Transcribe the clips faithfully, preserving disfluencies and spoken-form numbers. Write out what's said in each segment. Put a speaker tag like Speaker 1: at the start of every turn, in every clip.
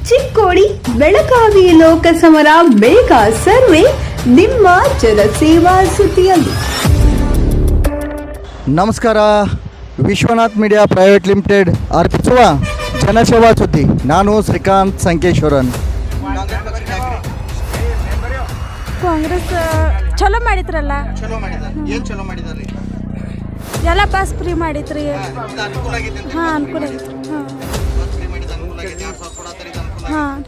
Speaker 1: ಚಿಕ್ಕೋಡಿ ಬೆಳಗಾವಿ ಲೋಕಸಮರ ಬೇಗ ಸರ್ವೆ ನಿಮ್ಮ ಜನಸೇವಾ ಸುದ್ದಿಯಲ್ಲಿ.
Speaker 2: ನಮಸ್ಕಾರ. ವಿಶ್ವನಾಥ್ ಮೀಡಿಯಾ ಪ್ರೈವೇಟ್ ಲಿಮಿಟೆಡ್ ಅರ್ಪಿಸುವ ಜನಸೇವಾ ಸುದ್ದಿ. ನಾನು ಶ್ರೀಕಾಂತ್ ಸಂಕೇಶ್ವರನ್.
Speaker 3: ಕಾಂಗ್ರೆಸ್ ಚಲೋ ಮಾಡಿದ್ರಲ್ಲ, ಎಲ್ಲ ಬಸ್ ಫ್ರೀ ಮಾಡಿದ್ರಿ. ಹಾಂ, ಅನುಕೂಲ ಆಗಿತ್ತು. ಹಾಂ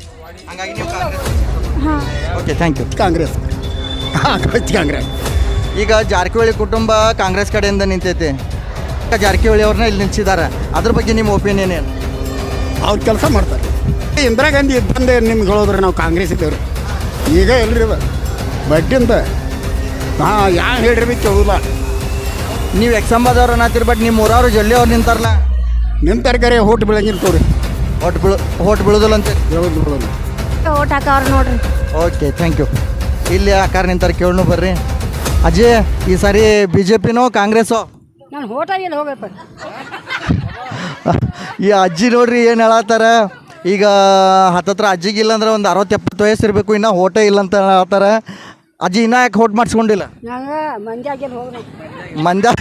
Speaker 3: ಹಾಂ
Speaker 2: okay, thank you.
Speaker 4: Congress Congress
Speaker 2: ಈಗ ಜಾರಕಿಹೊಳಿ ಕುಟುಂಬ ಕಾಂಗ್ರೆಸ್ ಕಡೆಯಿಂದ ನಿಂತೈತೆ. ಜಾರಕಿಹೊಳಿ ಅವ್ರನ್ನ ಇಲ್ಲಿ ನಿಲ್ಸಿದ್ದಾರೆ. ಅದ್ರ ಬಗ್ಗೆ ನಿಮ್ಮ ಒಪಿನಿಯನ್ ಏನು?
Speaker 4: ಅವ್ರು ಕೆಲಸ ಮಾಡ್ತಾರೆ. ಇಂದಿರಾ ಗಾಂಧಿ ಇದ್ದಂದೆ ನಿಮ್ಗೆ ಹೇಳಿದ್ರೆ ನಾವು ಕಾಂಗ್ರೆಸ್ ಇದ್ದೇವ್ರಿ. ಈಗ ಎಲ್ರಿ ಬಡ್ಡಿ ಅಂತ ಹಾಂ ಯಾ ಹೇಳ್ರಿ ಕೇಳೋಲ್ಲ.
Speaker 2: ನೀವು ಎಕ್ಸಾಂಬದವ್ರು ಅನ್ನತ್ತೀರಿ, ಬಟ್ ನಿಮ್ಮ ಊರವ್ರು ಜೊಲ್ಲೆ ಅವ್ರು ನಿಂತಾರಲ್ಲ,
Speaker 4: ನಿಂತರ್ಗಾರೆ ಹೋಟ್ ಬೆಳಗಿರ್ತವ್ರಿ.
Speaker 2: ಹೊಟ್ಟು ಬೀಳು ಹೊಟ್ಟು ಬೀಳೋದಿಲ್ಲ ಅಂತ
Speaker 4: ಹೇಳೋದು ಬಿಡೋದು.
Speaker 3: ಓಟ್ ಹಾಕವ್ರು ನೋಡ್ರಿ.
Speaker 2: Okay, thank you. ಇಲ್ಲಿ ಆಕಾರ ನಿಂತಾರೆ, ಕೇಳೋಣ ಬರ್ರಿ. ಅಜಯ್, ಈ ಸಾರಿ ಬಿ ಜೆ ಪಿನೋ ಕಾಂಗ್ರೆಸ್ಸೋ?
Speaker 3: ನಾನು ಓಟ್ ಆಗಿಲ್ಲ, ಹೋಗಪ್ಪ.
Speaker 2: ಈ ಅಜ್ಜಿ ನೋಡ್ರಿ ಏನು ಹೇಳತ್ತಾರ. ಈಗ ಹತ್ತತ್ರ ಅಜ್ಜಿಗಿಲ್ಲ ಅಂದ್ರೆ ಒಂದು ಅರವತ್ತು ಎಪ್ಪತ್ತು ವಯಸ್ಸು ಇರಬೇಕು, ಇನ್ನೂ ಓಟೇ ಇಲ್ಲ ಅಂತ ಹೇಳ್ತಾರ. ಅಜ್ಜಿ ಇನ್ನೂ ಯಾಕೆ ಓಟ್ ಮಾಡಿಸ್ಕೊಂಡಿಲ್ಲ? ಮಂದ್ಯ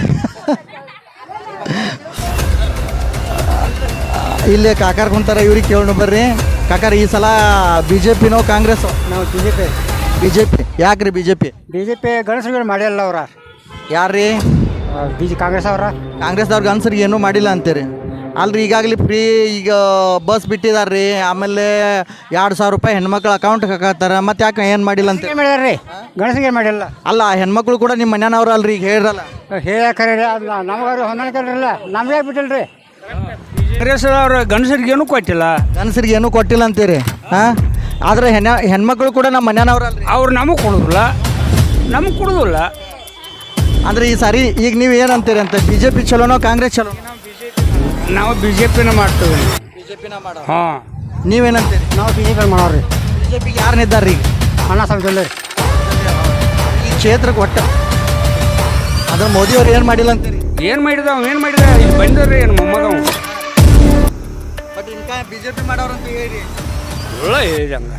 Speaker 2: ಇಲ್ಲಿ ಕಾಕಾರ ಕುಂತಾರ, ಇವ್ರಿಗೆ ಕೇಳೋಣ ಬರ್ರಿ. ಕಾಕಾರ, ಈ ಸಲ ಬಿ ಜೆ ಪಿನೋ ಕಾಂಗ್ರೆಸ್ಸೋ?
Speaker 4: ನಾವು BJP
Speaker 2: B BJP. ಯಾಕೆ ರೀ BJP?
Speaker 4: B BJP ಗಣಸರುಗಳು ಮಾಡಿಲ್ಲ ಅವ್ರ.
Speaker 2: ಯಾರು ರೀ?
Speaker 4: ಬಿ ಜೆ ಕಾಂಗ್ರೆಸ್ ಅವರ.
Speaker 2: ಕಾಂಗ್ರೆಸ್ದವ್ರಿಗೆ ಅನ್ಸರಿಗೆ ಏನೂ ಮಾಡಿಲ್ಲ ಅಂತೀರಿ. ಅಲ್ರಿ, ಈಗಾಗಲೇ ಫ್ರೀ ಈಗ ಬಸ್ ಬಿಟ್ಟಿದ್ದಾರೆ ರೀ. ಆಮೇಲೆ ಎರಡು ಸಾವಿರ ರೂಪಾಯಿ ಹೆಣ್ಮಕ್ಳು ಅಕೌಂಟ್ಗೆ ಹಾಕತ್ತಾರ. ಮತ್ತೆ ಯಾಕೆ ಏನು ಮಾಡಿಲ್ಲ ಅಂತ
Speaker 4: ಮಾಡಿದಾರೆ ರೀ? ಗಣಸಿಗೆ ಮಾಡಿಲ್ಲ.
Speaker 2: ಅಲ್ಲ, ಹೆಣ್ಮಕ್ಳು ಕೂಡ ನಿಮ್ಮ ಮನೆಯವ್ರು ಅಲ್ರಿ, ಈಗ ಹೇಳಿರಲ್ಲ.
Speaker 4: ಹೇಳಕ್ರಿ ನಮಗಾರು ಹೊಂದಾಣಿಕಲ್ರಲ್ಲ, ನಮ್ಗೆ ಬಿಟ್ಟಿಲ್ರಿ.
Speaker 5: ಕಾಂಗ್ರೆಸ್ ಅವ್ರು ಗಂಡಸರಿಗೆ ಏನೂ ಕೊಟ್ಟಿಲ್ಲ,
Speaker 2: ಗಂಡಸರಿಗೆ ಏನೂ ಕೊಟ್ಟಿಲ್ಲ ಅಂತೀರಿ. ಹಾಂ, ಆದರೆ ಹೆಣ್ಣ ಹೆಣ್ಮಕ್ಳು ಕೂಡ ನಮ್ಮ ಮನೆಯವ್ರು ಅಲ್ರಿ,
Speaker 5: ಅವ್ರು ನಮಗೆ ಕೊಡೋದಿಲ್ಲ, ನಮಗೆ ಕೊಡೋದಿಲ್ಲ.
Speaker 2: ಅಂದ್ರೆ ಈ ಸಾರಿ ಈಗ ನೀವು ಏನಂತೀರಿ ಅಂತ? ಬಿ ಜೆ ಪಿ ಚಲೋನೋ ಕಾಂಗ್ರೆಸ್ ಚಲೋ?
Speaker 5: ನಾವು ಬಿ ಜೆ ಪಿನ ಮಾಡ್ತೀವಿ.
Speaker 2: ಬಿ ಜೆ ಪಿನ ಮಾಡೋ.
Speaker 5: ಹಾಂ,
Speaker 2: ನೀವೇನಂತೀರಿ?
Speaker 4: ನಾವು ಬಿ ಜೆ ಪಿ ಮಾಡೋರಿ.
Speaker 2: ಬಿ ಜೆ ಪಿಗೆ ಯಾರು ನಿದ್ದಾರ್ರಿ ಈಗ?
Speaker 4: ಅಣ್ಣ ಸಾಲ
Speaker 2: ಈ ಕ್ಷೇತ್ರಕ್ಕೆ ಒಟ್ಟು ಅದ್ರ ಮೋದಿಯವ್ರು ಏನು ಮಾಡಿಲ್ಲ ಅಂತೀರಿ?
Speaker 5: ಏನು ಮಾಡಿದ ಅವ ಏನು ಮಾಡಿದ ಇಲ್ಲಿ ಬಂದವ್ರಿ ಏನು ಮೊಮ್ಮಗವು.
Speaker 2: ಬಟ್ ಇನ್ಕ ಬಿ ಜೆ ಪಿ ಮಾಡೋರಂತ ಹೇಳಿ
Speaker 5: ಒಳ್ಳ ಹೇಳಿದಂಗ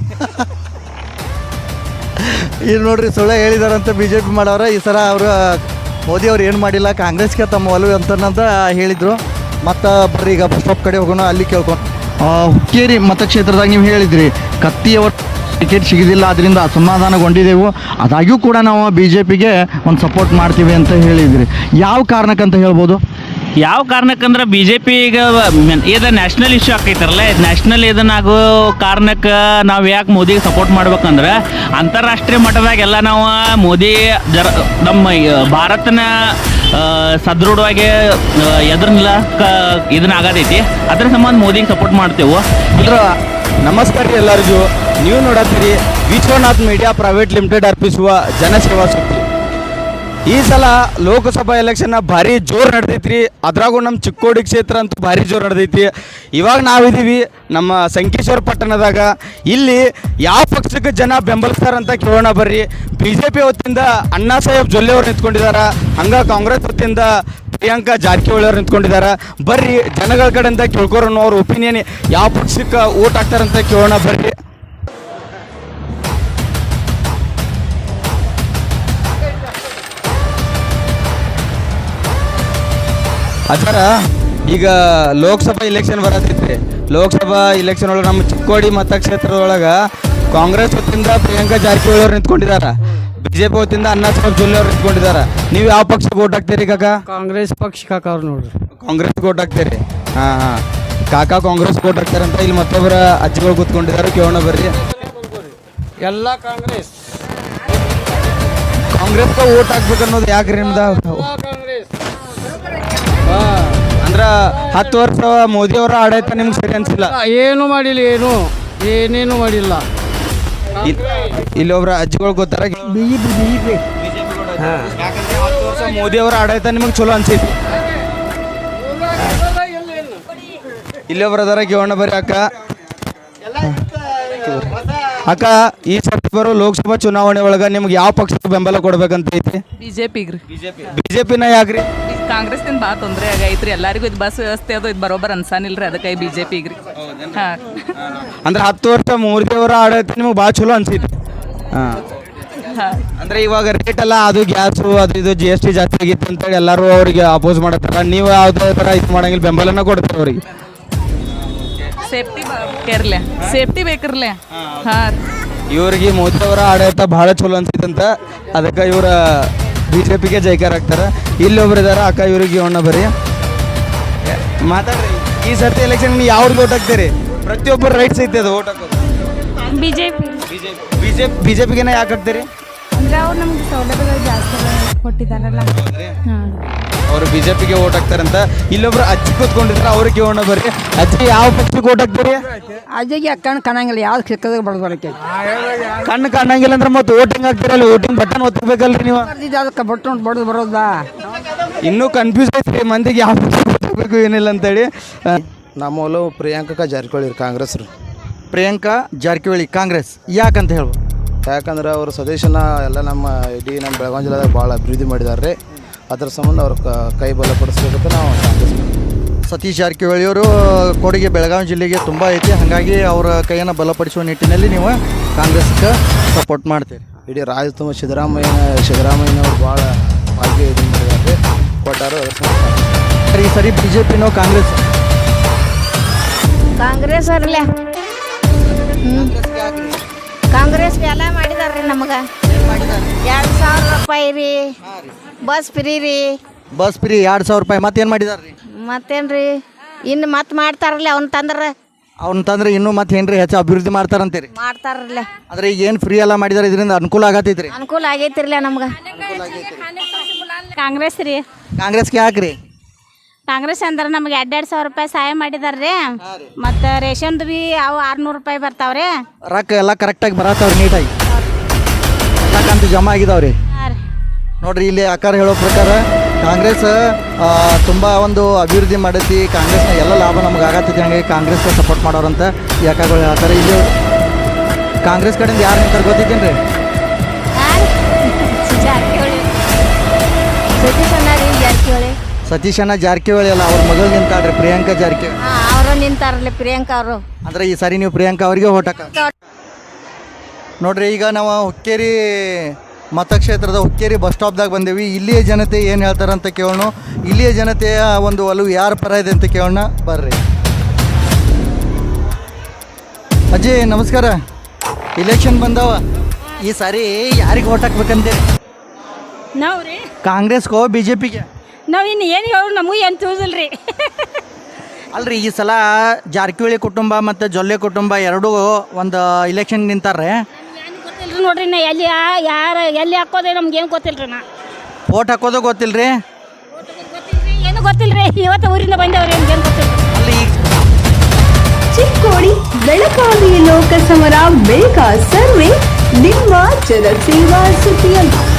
Speaker 2: ಇಲ್ಲಿ ನೋಡ್ರಿ, ಸುಳ್ಳ ಹೇಳಿದಾರಂತ ಬಿ ಜೆ ಪಿ ಮಾಡೋರ. ಈ ಸಲ ಅವರು ಮೋದಿಯವ್ರು ಏನು ಮಾಡಿಲ್ಲ, ಕಾಂಗ್ರೆಸ್ಗೆ ತಮ್ಮ ಒಲವು ಅಂತಂತ ಹೇಳಿದರು. ಮತ್ತು ಬರ್ರಿ ಈಗ ಬಸ್ ಸ್ಟಾಪ್ ಕಡೆ ಹೋಗೋಣ, ಅಲ್ಲಿ ಕೇಳ್ಕೊಂಡು. ಹುಕ್ಕೇರಿ ಮತಕ್ಷೇತ್ರದಾಗ ನೀವು ಹೇಳಿದ್ರಿ ಕತ್ತಿಯವ್ರ ಟಿಕೆಟ್ ಸಿಗೋದಿಲ್ಲ, ಅದರಿಂದ ಅಸಮಾಧಾನಗೊಂಡಿದ್ದೆವು. ಅದಾಗ್ಯೂ ಕೂಡ ನಾವು ಬಿ ಜೆ ಪಿಗೆ ಒಂದು ಸಪೋರ್ಟ್ ಮಾಡ್ತೀವಿ ಅಂತ ಹೇಳಿದ್ರಿ. ಯಾವ ಕಾರಣಕ್ಕಂತ ಹೇಳ್ಬೋದು?
Speaker 6: ಯಾವ ಕಾರಣಕ್ಕಂದ್ರೆ ಬಿ ಜೆ ಪಿ ಈಗ ಇದು ನ್ಯಾಷನಲ್ ಇಶ್ಯೂ ಆಕೈತಾರಲ್ಲ, ನ್ಯಾಷನಲ್ ಇದನ್ನಾಗೋ ಕಾರಣಕ್ಕೆ ನಾವು ಯಾಕೆ ಮೋದಿಗೆ ಸಪೋರ್ಟ್ ಮಾಡ್ಬೇಕಂದ್ರೆ ಅಂತಾರಾಷ್ಟ್ರೀಯ ಮಟ್ಟದಾಗೆಲ್ಲ ನಾವು ಮೋದಿ ಜರ ನಮ್ಮ ಭಾರತನ ಸದೃಢವಾಗಿ ಎದ್ರನ್ನೆಲ್ಲ ಕ ಇದನ್ನ ಆಗತೈತಿ. ಅದ್ರ ಸಂಬಂಧ ಮೋದಿಗೆ ಸಪೋರ್ಟ್ ಮಾಡ್ತೇವೆ.
Speaker 2: ಅಂದ್ರೆ ನಮಸ್ಕಾರ ರೀ ಎಲ್ಲರಿಗೂ. ನೀವು ನೋಡತ್ತೀರಿ ವಿಶ್ವನಾಥ್ ಮೀಡಿಯಾ ಪ್ರೈವೇಟ್ ಲಿಮಿಟೆಡ್ ಅರ್ಪಿಸುವ ಜನಸೇವಾ ಸುದ್ದಿ. ಈ ಸಲ ಲೋಕಸಭಾ ಎಲೆಕ್ಷನ್ ಭಾರಿ ಜೋರು ನಡೆದೈತ್ರಿ. ಅದ್ರಾಗೂ ನಮ್ಮ ಚಿಕ್ಕೋಡಿ ಕ್ಷೇತ್ರ ಅಂತೂ ಭಾರಿ ಜೋರು ನಡೆದೈತಿ. ಇವಾಗ ನಾವಿದ್ದೀವಿ ನಮ್ಮ ಸಂಕೇಶ್ವರ ಪಟ್ಟಣದಾಗ. ಇಲ್ಲಿ ಯಾವ ಪಕ್ಷಕ್ಕೆ ಜನ ಬೆಂಬಲಿಸ್ತಾರಂತ ಕೇಳೋಣ ಬರ್ರಿ. ಬಿ ಜೆ ಪಿ ವತಿಯಿಂದ ಅಣ್ಣಾ ಸಾಹೇಬ್ ಜೊಲ್ಲೆ ಅವ್ರು ನಿಂತ್ಕೊಂಡಿದ್ದಾರೆ, ಹಂಗೆ ಕಾಂಗ್ರೆಸ್ ವತಿಯಿಂದ ಪ್ರಿಯಾಂಕಾ ಜಾರಕಿಹೊಳಿ ಅವ್ರು ನಿಂತ್ಕೊಂಡಿದ್ದಾರೆ. ಬರ್ರಿ ಜನಗಳ ಕಡೆಯಿಂದ ಕೇಳ್ಕೊರೋಣ ಅವ್ರ ಒಪಿನಿಯನ್, ಯಾವ ಪಕ್ಷಕ್ಕೆ ಓಟ್ ಹಾಕ್ತಾರಂತ ಕೇಳೋಣ ಬರ್ರಿ. ಅಜ್ಜಾರ, ಈಗ ಲೋಕಸಭಾ ಇಲೆಕ್ಷನ್ ಬರತೈತ್ರಿ. ಲೋಕಸಭಾ ಇಲೆಕ್ಷನ್ ಒಳಗೆ ನಮ್ಮ ಚಿಕ್ಕೋಡಿ ಮತಕ್ಷೇತ್ರದೊಳಗೆ ಕಾಂಗ್ರೆಸ್ ವತಿಯಿಂದ ಪ್ರಿಯಾಂಕಾ ಜಾರಕಿಹೊಳಿ ಅವ್ರು ನಿಂತ್ಕೊಂಡಿದ್ದಾರೆ, ಬಿ ಜೆ ಪಿ ವತಿಯಿಂದ ಅಣ್ಣಾ ಸಾಹೇಬ್ ಜೊಲ್ಲೆ ಅವ್ರು ನಿಂತ್ಕೊಂಡಿದ್ದಾರೆ. ನೀವು ಯಾವ ಪಕ್ಷಕ್ಕೆ ಓಟ್ ಹಾಕ್ತೀರಿ ಕಾಕ?
Speaker 5: ಕಾಂಗ್ರೆಸ್ ಪಕ್ಷ ಕಾಕವ್ರು ನೋಡ್ರಿ.
Speaker 2: ಕಾಂಗ್ರೆಸ್ಗೆ ಓಟ್ ಹಾಕ್ತೀರಿ? ಹಾಂ ಹಾಂ, ಕಾಕ ಕಾಂಗ್ರೆಸ್ ಓಟ್ ಹಾಕ್ತಾರಂತ ಇಲ್ಲಿ ಮತ್ತೊಬ್ಬರ ಅಜ್ಜಿಗಳು ಕೂತ್ಕೊಂಡಿದ್ದಾರೆ, ಕೇಳೋಣ ಬರ್ರಿ.
Speaker 5: ಎಲ್ಲ ಕಾಂಗ್ರೆಸ್
Speaker 2: ಕಾಂಗ್ರೆಸ್ಗೆ ಓಟ್ ಹಾಕ್ಬೇಕು ಅನ್ನೋದು ಯಾಕ್ರಿ ನಿಮ್ದು? ಅಂದ್ರೆ ಹತ್ತು ವರ್ಷ ಮೋದಿಯವರ ಆಡಳಿತ ನಿಮ್ಗೆ ಸರಿ ಅನ್ಸಿಲ್ಲ?
Speaker 5: ಏನು ಮಾಡಿಲ್ಲ, ಏನು ಏನೇನು ಮಾಡಿಲ್ಲ.
Speaker 2: ಇಲ್ಲಿ ಒಬ್ರ ಅಜ್ಜಿಗಳು ಗೊತ್ತಾರ
Speaker 4: BJP B BJP
Speaker 2: ಯಾಕಂದ್ರೆ ಹತ್ತು ವರ್ಷ ಮೋದಿಯವರ ಆಡಳಿತ ನಿಮಗೆ ಚಲೋ ಅನ್ಸೈತಿ. ಇಲ್ಲಿ ಒಬ್ರ ಅದಾರ, ಕೇಳೋಣ ಬರ್ರಿ ಅಕ್ಕ. ಅಕ್ಕ, ಈ ಸರ್ತಿ ಬರೋ ಲೋಕಸಭಾ ಚುನಾವಣೆ ಒಳಗೆ ನಿಮ್ಗೆ ಯಾವ ಪಕ್ಷಕ್ಕೆ ಬೆಂಬಲ ಕೊಡ್ಬೇಕಂತ ಐತಿ?
Speaker 7: ಬಿಜೆಪಿಗೆ ರೀ.
Speaker 2: ಬಿಜೆಪಿ ಬಿಜೆಪಿನ ಯಾಕ್ರಿ?
Speaker 7: ಕಾಂಗ್ರೆಸ್ದಿಂದ ಭಾಳ ತೊಂದರೆ ಆಗೈತ್ರಿ ಎಲ್ಲರಿಗೂ. ಇದು ಬಸ್ ವ್ಯವಸ್ಥೆ ಅದು ಇದು ಬರೋಬ್ಬರ ಅನ್ಸಾನಿಲ್ರಿ, ಅದಕ್ಕೆ ಬಿಜೆಪಿಗೆ ರೀ. ಹಾಂ
Speaker 2: ಅಂದ್ರೆ ಹತ್ತು ವರ್ಷ ಮೂರ್ತಿಯವರ ಆಡಳಿತ ನಿಮಗೆ ಭಾಳ ಚಲೋ ಅನ್ಸೈತಿ ಹಾಂ
Speaker 7: ಹಾಂ
Speaker 2: ಅಂದ್ರೆ ಇವಾಗ ರೇಟ್ ಎಲ್ಲ ಅದು ಗ್ಯಾಸು ಅದು ಇದು ಜಿ ಎಸ್ ಟಿ ಜಾಸ್ತಿ ಆಗಿತ್ತು ಅಂತೇಳಿ ಎಲ್ಲರೂ ಅವ್ರಿಗೆ ಅಪೋಸ್ ಮಾಡತ್ತಾರ ನೀವು ಯಾವುದೇ ಥರ ಇದು ಮಾಡಂಗಿಲ್ಲ ಬೆಂಬಲನ ಕೊಡ್ತಾರೆ ಅವ್ರಿಗೆ
Speaker 7: ಸೇಫ್ಟಿ ಬೇಕಿರ್ಲೆ ಸೇಫ್ಟಿ ಬೇಕಿರ್ಲೆ ಹಾಂ
Speaker 2: ಇವ್ರಿಗೆ ಮೋದಿ ಅವರ ಆಡಳಿತ ಭಾಳ ಚಲೋ ಅನ್ಸೈತಂತ ಅದಕ್ಕೆ ಇವರ ಬಿ ಜೆ ಪಿಗೆ ಜೈಕಾರ ಆಗ್ತಾರೆ ಇಲ್ಲಿ ಒಬ್ರು ಇದಾರೆ ಅಕ್ಕ ಇವ್ರಿಗೆ ಇವಣ್ಣ ಬರೀ ಮಾತಾಡ್ರಿ ಈ ಸರ್ತಿ ಎಲೆಕ್ಷನ್ ನೀವು ಯಾವ್ರಿಗೆ ಓಟ್ ಹಾಕ್ತೀರಿ ಪ್ರತಿಯೊಬ್ಬರು ರೈಟ್ಸ್ ಐತೆ ಅದು ಓಟ್ ಹಾಕೋದು
Speaker 3: BJP
Speaker 2: B J ಬಿ ಜೆ ಪಿಗೆನೇ ಯಾಕೆ ಹಾಕ್ತೀರಿ
Speaker 3: ಅಂದರೆ ಅವ್ರು ನಮ್ಗೆ ಸೌಲಭ್ಯಗಳು ಜಾಸ್ತಿ ಕೊಟ್ಟಿದ್ದಾರಲ್ಲ ಹಾಂ
Speaker 2: ಅವರು ಬಿ ಜೆ ಪಿಗೆ ಓಟ್ ಹಾಕ್ತಾರಂತ ಇಲ್ಲೊಬ್ರು ಅಜ್ಜಿ ಕೂತ್ಕೊಂಡಿದ್ರೆ ಅವ್ರಿಗೆ ಕೇಳೋಣ ಬರ್ರಿ ಅಜ್ಜಿ ಯಾವ ಪಕ್ಷಕ್ಕೆ ಓಟ್ ಹಾಕ್ತೀರಿ
Speaker 8: ಅಜ್ಜಿಗೆ ಕಣ್ಣು ಕಾಣಂಗಿಲ್ಲ ಯಾವ್ದು ಸಿಕ್ಕದಾಗ ಬಡ್ದು ಬರಕ್ಕೆ
Speaker 2: ಕಣ್ಣು ಕಾಣಂಗಿಲ್ಲ ಅಂದ್ರೆ ಮತ್ತೆ ವೋಟಿಂಗ್ ಹಾಕ್ತಿರಲ್ಲ ವೋಟಿಂಗ್ ಬಟನ್ ಒತ್ತಬೇಕಲ್ರಿ ನೀವು
Speaker 8: ಬರ್ದಿದ್ದು ಅದಕ್ಕೆ ಬಟ್ಟು ಬಡ್ದು ಬರೋದಾ
Speaker 2: ಇನ್ನೂ ಕನ್ಫ್ಯೂಸ್ ಐತ್ರಿ ಮಂದಿಗೆ ಯಾವ ಪಕ್ಷ ಗೊತ್ತಾಗಬೇಕು ಏನಿಲ್ಲ ಅಂತೇಳಿ
Speaker 9: ನಮ್ಮ ಒಲವು ಪ್ರಿಯಾಂಕಾ ಜಾರಕಿಹೊಳಿ ಕಾಂಗ್ರೆಸ್ ರೀ
Speaker 10: ಪ್ರಿಯಾಂಕಾ ಜಾರಕಿಹೊಳಿ ಕಾಂಗ್ರೆಸ್ ಯಾಕಂತ ಹೇಳ್ಬೋದು
Speaker 9: ಯಾಕಂದ್ರೆ ಅವರು ಸ್ವದೇಶನ ಎಲ್ಲ ನಮ್ಮ ಇಡೀ ನಮ್ಮ ಬೆಳಗಾವಿ ಜಿಲ್ಲೆದಾಗ ಭಾಳ ಅಭಿವೃದ್ಧಿ ಮಾಡಿದ್ದಾರೆ ರೀ ಅದ್ರ ಸಂಬಂಧ ಅವ್ರ ಕೈ ಬಲ ಕೊಡಿಸ್ಬೇಕಂತ ನಾವು ಕಾಂಗ್ರೆಸ್
Speaker 10: ಸತೀಶ್ ಜಾರಕಿಹೊಳಿಯವರು ಕೊಡುಗೆ ಬೆಳಗಾವಿ ಜಿಲ್ಲೆಗೆ ತುಂಬ ಐತಿ ಹಾಗಾಗಿ ಅವರ ಕೈಯನ್ನು ಬಲಪಡಿಸುವ ನಿಟ್ಟಿನಲ್ಲಿ ನೀವು ಕಾಂಗ್ರೆಸ್ಗೆ ಸಪೋರ್ಟ್ ಮಾಡ್ತೀರಿ
Speaker 9: ಇಡೀ ರಾಜ್ಯ ತುಂಬ ಸಿದ್ದರಾಮಯ್ಯ ಸಿದ್ದರಾಮಯ್ಯನವ್ರು ಭಾಳ ಭಾಗ್ಯ ಇದು ಮಾಡಿದ್ದಾರೆ ಕೊಟ್ಟಾರು ಅದ್ರ ಸಂಬಂಧ
Speaker 10: ಈ ಸರಿ ಬಿ ಜೆ ಪಿನೋ ಕಾಂಗ್ರೆಸ್
Speaker 3: ಕಾಂಗ್ರೆಸ್ ಅವ್ರಲ್ಲ ಕಾಂಗ್ರೆಸ್ಗೆ ಎಲ್ಲ ಮಾಡಿದಾರ್ರಿ ನಮಗೆ ಎರಡು ಸಾವಿರ ರೂಪಾಯಿ ರೀ ಬಸ್ ಫ್ರೀ ರೀ
Speaker 10: ಬಸ್ ಫ್ರೀ ಎರಡು ಸಾವಿರ ರೂಪಾಯಿ ಮತ್ತೇನು ಮಾಡಿದಾರೆ ರೀ
Speaker 3: ಮತ್ತೇನ್ರಿ ಇನ್ನು ಮತ್ತೆ ಮಾಡ್ತಾರಲ್ಲ ಅವ್ನ ತಂದ್ರೆ
Speaker 10: ಅವ್ನ ತಂದ್ರೆ ಇನ್ನೂ ಮತ್ತೆ ಏನ್ರಿ ಹೆಚ್ಚು ಅಭಿವೃದ್ಧಿ ಮಾಡ್ತಾರಂತೀರಿ
Speaker 3: ಮಾಡ್ತಾರಲ್ಲ
Speaker 10: ಆದರೆ ಈಗ ಏನು ಫ್ರೀ ಎಲ್ಲ ಮಾಡಿದಾರೆ ಇದರಿಂದ ಅನುಕೂಲ ಆಗತ್ತೈತಿ ರೀ
Speaker 3: ಅನುಕೂಲ ಆಗೈತಿರ್ಲ ನಮ್ಗೆ ಕಾಂಗ್ರೆಸ್ ರೀ
Speaker 10: ಕಾಂಗ್ರೆಸ್ಗೆ ಯಾಕ್ರಿ
Speaker 3: ಕಾಂಗ್ರೆಸ್ ಅಂದ್ರೆ ನಮ್ಗೆ ಎರಡು ಎರಡು ಸಾವಿರ ರೂಪಾಯಿ ಸಹಾಯ ಮಾಡಿದಾರ್ರಿ ಮತ್ತು ರೇಷನ್ದು ಭೀ ಅವು ಆರುನೂರು ರೂಪಾಯಿ ಬರ್ತಾವ್ರಿ
Speaker 10: ರೊಕ್ಕ ಎಲ್ಲ ಕರೆಕ್ಟಾಗಿ ಬರತ್ತವ್ರಿ ನೀಟಾಗಿ ಎಲ್ಲ ಕಂತು ಜಮಾ ಆಗಿದಾವ್ರಿ
Speaker 3: ಹಾಂ ರೀ
Speaker 10: ನೋಡ್ರಿ ಇಲ್ಲಿ ಅಕ್ಕಾರ ಹೇಳೋ ಪ್ರಕಾರ ಕಾಂಗ್ರೆಸ್ ತುಂಬ ಒಂದು ಅಭಿವೃದ್ಧಿ ಮಾಡೈತಿ ಕಾಂಗ್ರೆಸ್ನ ಎಲ್ಲ ಲಾಭ ನಮ್ಗೆ ಆಗತ್ತೈತಿ ಹಂಗಾಗಿ ಕಾಂಗ್ರೆಸ್ಗೆ ಸಪೋರ್ಟ್ ಮಾಡೋರಂತ ಈ ಅಕ್ಕಗಳು ಹೇಳ್ತಾರೆ ಇಲ್ಲಿ ಕಾಂಗ್ರೆಸ್ ಕಡೆಯಿಂದ ಯಾರು ನಿಂತಾರೆ ಗೊತ್ತಿದ್ದೇನೆ ರೀ
Speaker 3: ಜಾರಕಿಹೊಳಿ ಸತೀಶ್ ಅಣ್ಣ ರೀ ಜಾರಕಿಹೊಳಿ
Speaker 10: ಸತೀಶಣ್ಣ ಜಾರಕಿಹೊಳಿ ಅಲ್ಲ ಅವ್ರ ಮಗಳು ನಿಂತಾಳ್ರಿ ಪ್ರಿಯಾಂಕಾ ಜಾರಕಿಹೊಳಿ
Speaker 3: ಹಾಂ ಅವರು ನಿಂತಾರಲ್ಲ ಪ್ರಿಯಾಂಕಾ ಅವರು
Speaker 10: ಅಂದ್ರೆ ಈ ಸಾರಿ ನೀವು ಪ್ರಿಯಾಂಕಾ ಅವರಿಗೆ ಓಟ್ ಹಾಕ ನೋಡ್ರಿ ಈಗ ನಾವು ಹುಕ್ಕೇರಿ ಮತಕ್ಷೇತ್ರದ ಹುಕ್ಕೇರಿ ಬಸ್ ಸ್ಟಾಪ್ದಾಗ ಬಂದೇವಿ ಇಲ್ಲಿಯ ಜನತೆ ಏನು ಹೇಳ್ತಾರೆ ಅಂತ ಕೇಳೋಣ ಇಲ್ಲಿಯ ಜನತೆಯ ಒಂದು ಒಲವು ಯಾರ ಪರ ಇದೆ ಅಂತ ಕೇಳೋಣ ಬರ್ರಿ ಅಜ್ಜಿ ನಮಸ್ಕಾರ ಇಲೆಕ್ಷನ್ ಬಂದವ ಈ ಸಾರಿ ಯಾರಿಗೆ ಓಟ್ ಹಾಕ್ಬೇಕಂತೇಳಿ
Speaker 3: ನಾವು ರೀ
Speaker 10: ಕಾಂಗ್ರೆಸ್ಗೋ ಬಿ ಜೆ ಪಿಗೆ
Speaker 3: ನಾವು ಇನ್ನು ಏನು ಹೇಳು ನಮಗೂ ಏನು ತಿಳಿದಿಲ್ಲ ರೀ
Speaker 10: ಅಲ್ರಿ ಈ ಸಲ ಜಾರಕಿಹೊಳಿ ಕುಟುಂಬ ಮತ್ತು ಜೊಲ್ಲೆ ಕುಟುಂಬ ಎರಡೂ ಒಂದು ಇಲೆಕ್ಷನ್ ನಿಂತಾರೆ
Speaker 3: ಗೊತ್ತಿಲ್ರಿ ನೋಡ್ರಿ ನಾ ಎಲ್ಲಿ ಯಾರು ಎಲ್ಲಿ ಹಾಕೋದೇ ನಮ್ಗೆ ಏನು ಗೊತ್ತಿಲ್ರಿ ನಾ
Speaker 10: ಓಟ್ ಹಾಕೋದು ಗೊತ್ತಿಲ್ಲ ರೀ
Speaker 3: ಗೊತ್ತಿಲ್ರಿ ಏನು ಗೊತ್ತಿಲ್ರಿ ಇವತ್ತು ಊರಿಂದ ಬಂದವ್ರಿ ನಮ್ಗೆ ಏನು ಗೊತ್ತಿಲ್ಲ
Speaker 10: ಅಲ್ಲಿ ಈಗ
Speaker 1: ಚಿಕ್ಕೋಡಿ ಬೆಳಗಾವಿ ಲೋಕಸಮರ ಬೇಗ ಸರ್ವೆ ನಿಮ್ಮ ಜನಸೇವಾ ಸುದ್ದಿಯಲ್ಲಿ